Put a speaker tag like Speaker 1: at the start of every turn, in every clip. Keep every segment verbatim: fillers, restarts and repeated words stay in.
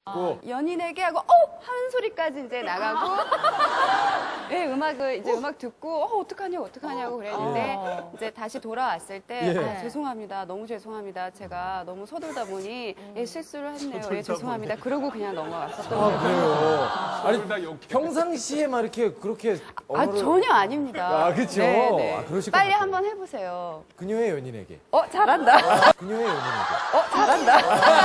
Speaker 1: 아,
Speaker 2: 연인에게 하고 어 하는 소리까지 이제 나가고 네, 음악을 이제 음악 듣고 어 어떡하냐고 어떡하냐고 그랬는데
Speaker 1: 아.
Speaker 2: 이제 다시 돌아왔을 때
Speaker 1: 예.
Speaker 2: 아, 죄송합니다 너무 죄송합니다 제가 너무 서둘다 보니 예, 실수를 했네요 예, 죄송합니다 그러고 그냥 넘어갔었던
Speaker 1: 아,
Speaker 2: 거예요.
Speaker 1: 그래요? 아니, 평상시에 막 이렇게 그렇게
Speaker 2: 아
Speaker 1: 언어를...
Speaker 2: 전혀 아닙니다.
Speaker 1: 아, 그쵸?
Speaker 2: 네, 네.
Speaker 1: 아, 그러실 것
Speaker 2: 빨리
Speaker 1: 같아요.
Speaker 2: 한번 해보세요.
Speaker 1: 그녀의 연인에게.
Speaker 2: 어 잘한다.
Speaker 1: 그녀의 연인에게.
Speaker 2: 어 잘한다.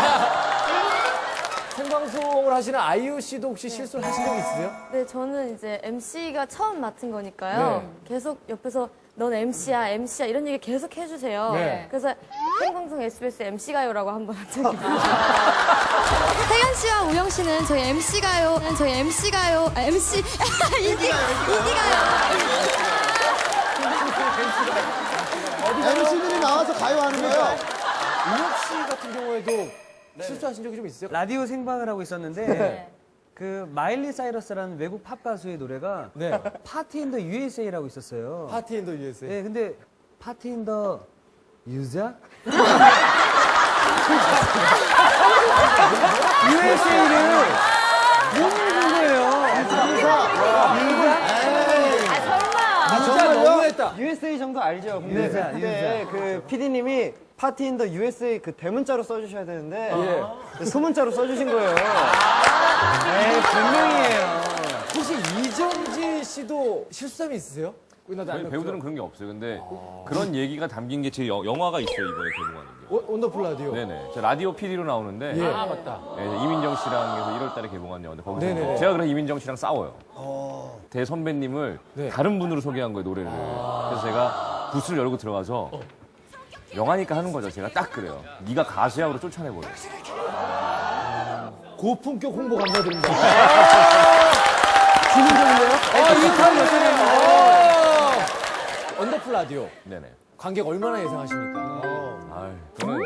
Speaker 1: 생방송을 하시는 아이유 씨도 혹시 실수를 하신 적 있으세요?
Speaker 3: 네, 저는 이제 엠씨가 처음 맡은 거니까요.
Speaker 1: 네.
Speaker 3: 계속 옆에서 넌 엠씨야, 엠씨야 이런 얘기 계속 해주세요.
Speaker 1: 네.
Speaker 3: 그래서 생방송 에스비에스 엠씨가요라고 한 번 한 적이 있어요. 태연 씨와 우영 씨는 저희 엠씨가요. 저희 엠씨가요. 아, 엠씨 이기 이기가요.
Speaker 4: 엠씨들이 나와서 가요하는 거예요.
Speaker 1: 우혁 씨 같은 경우에도 실수하신 적이 좀 있으세요?
Speaker 5: 라디오 생방을 하고 있었는데 그 마일리 사이러스라는 외국 팝 가수의 노래가
Speaker 1: 네.
Speaker 5: 파티 인 더 유에스에이라고 있었어요.
Speaker 1: 파티 인 더 유에스에이.
Speaker 5: 네, 근데 파티 인 더 유자? 유에스에이를 못 읽은 거예요.
Speaker 1: 아, 진짜 너무했다.
Speaker 6: 유에스에이 정도 알죠? 근데
Speaker 5: 유자,
Speaker 6: 그때 그 피디님이 파티 인 더 유에스에이 그 대문자로 써주셔야 되는데
Speaker 1: 예.
Speaker 6: 소문자로 써주신 거예요. 에이, 분명이에요.
Speaker 1: 혹시 이정지 씨도 실수함이 있으세요?
Speaker 7: 저희 배우들은 그런 게 없어요. 근데 그런 얘기가 담긴 게 제 영화가 있어요. 이번에 개봉하는 게.
Speaker 1: 원- 원더풀 라디오.
Speaker 7: 네네. 저 라디오 피디로 나오는데
Speaker 1: 예.
Speaker 7: 아 맞다. 이민정 씨랑 해서 일월 달에 개봉한 영화인데 거기서
Speaker 1: 네네네.
Speaker 7: 제가 그래서 이민정 씨랑 싸워요. 대 선배님을
Speaker 1: 네.
Speaker 7: 다른 분으로 소개한 거예요 노래를. 그래서 제가 부스를 열고 들어가서 영화니까 하는 거죠. 제가 딱 그래요. 네가 가수야 하고 쫓아내버려.
Speaker 1: 고품격 홍보 감사드립니다.
Speaker 5: 기능적인데요?
Speaker 1: 아, 이탈 여전해요. 원더풀 라디오.
Speaker 7: 네네.
Speaker 1: 관객 얼마나 예상하십니까?
Speaker 7: 아 저는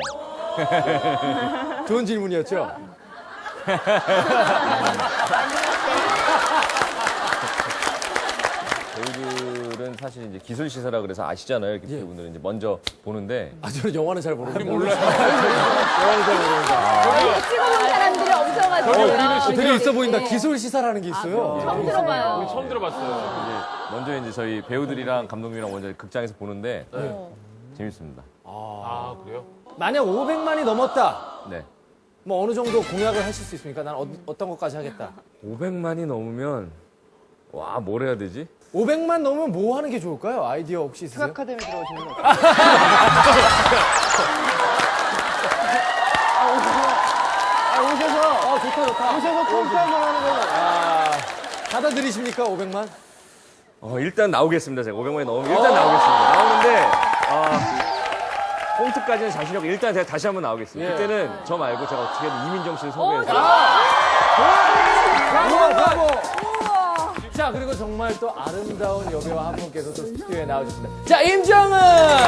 Speaker 1: 좋은 질문이었죠?
Speaker 7: 배우들은 사실 이제 기술 시사라 그래서 아시잖아요. 이렇게
Speaker 1: 예.
Speaker 7: 분들은 이제 먼저 보는데
Speaker 1: 아, 저는 영화는 잘 모르는데. 몰라요.
Speaker 2: 찍어본 사람들이 없어가지고
Speaker 1: 어, 되게 있어 보인다. 기술 시사라는 게 있어요.
Speaker 2: 처음 들어봐요.
Speaker 7: 처음 들어봤어요. 이제 먼저 이제 저희 배우들이랑 감독님이랑 먼저 극장에서 보는데 재밌습니다.
Speaker 1: 만약 오백만이 넘었다.
Speaker 7: 네.
Speaker 1: 뭐 어느 정도 공약을 하실 수 있습니까? 난 어, 어떤 것까지 하겠다.
Speaker 7: 오백만이 넘으면 와, 뭘 해야 되지?
Speaker 1: 오백만 넘으면 뭐 하는 게 좋을까요? 아이디어 혹시 있으세요?
Speaker 6: 아카데미 들어오시는 거 아, 오셔서
Speaker 1: 아, 좋다, 좋다.
Speaker 6: 오셔서 콘트 한번 하는 거.
Speaker 1: 아, 받아들이십니까? 오백만?
Speaker 7: 어, 일단 나오겠습니다. 제가 오백만이 넘으면 일단 나오겠습니다. 나오는데 아, 폰트까지는 자신 없고 일단 제가 다시 한번 나오겠습니다.
Speaker 1: 예.
Speaker 7: 그때는 저 말고 제가 어떻게든 이민정 씨를 소개해서
Speaker 1: 우와, 브라보! 자, 그리고 정말 또 아름다운 여배우 한 분께서 또 스튜디오에 나와주셨습니다. 자, 임정은!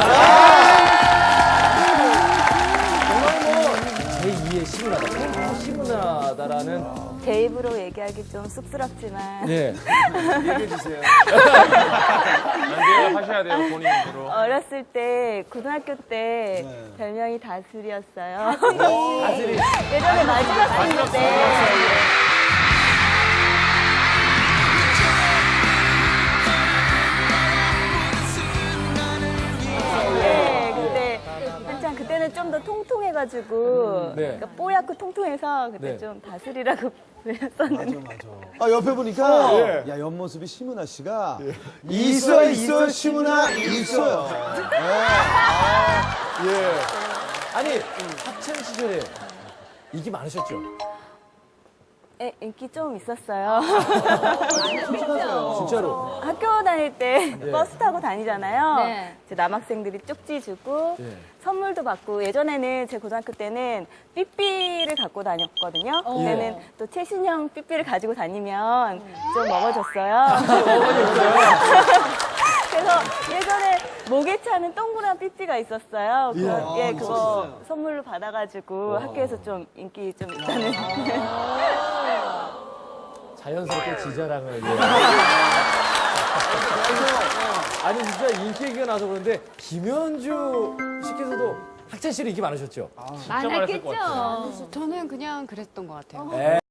Speaker 1: 정말 뭐, 제이의 시문화다. 펜타 시문화다라는.
Speaker 8: 제 입으로 얘기하기 좀 쑥스럽지만
Speaker 1: 예.
Speaker 7: 하셔야 돼요, 본인으로.
Speaker 8: 어렸을 때 고등학교 때 별명이 다슬이었어요.
Speaker 1: 다슬이.
Speaker 8: 예전에 마지막 생일 때 네, 그때 한창 그때는 좀 더 통통해가지고
Speaker 1: 네.
Speaker 8: 그러니까 뽀얗고 통통해서 그때
Speaker 1: 네.
Speaker 8: 좀 다슬이라고 불렸었는데
Speaker 4: 아, 옆에 보니까
Speaker 1: 예.
Speaker 4: 야, 옆모습이 시문아 씨가 있어 있어 시문아 있어요.
Speaker 1: 예. 아니, 학창 시절에 인기 많으셨죠?
Speaker 8: 예, 인기 좀 있었어요.
Speaker 1: 진짜로.
Speaker 8: 학교 다닐 때
Speaker 1: 예.
Speaker 8: 버스 타고 다니잖아요.
Speaker 2: 네.
Speaker 8: 이제 남학생들이 쪽지 주고
Speaker 1: 예.
Speaker 8: 선물도 받고 예전에는 제 고등학교 때는 삐삐를 갖고 다녔거든요. 그때는 또 최신형 삐삐를 가지고 다니면 좀 먹어줬어요. 그래서 예전에 목에 차는 동그란 삐삐가 있었어요. 그거, 예, 그거 선물로 받아가지고 학교에서 좀 인기 좀 있다는.
Speaker 1: 자연스럽게 지자랑을. 예. 아니, 진짜 인기 얘기가 나서 그런데, 김현주 씨께서도 학창 시절에 인기 많으셨죠?
Speaker 3: 많았겠죠.
Speaker 2: 저는 그냥 그랬던 것 같아요.
Speaker 1: 네.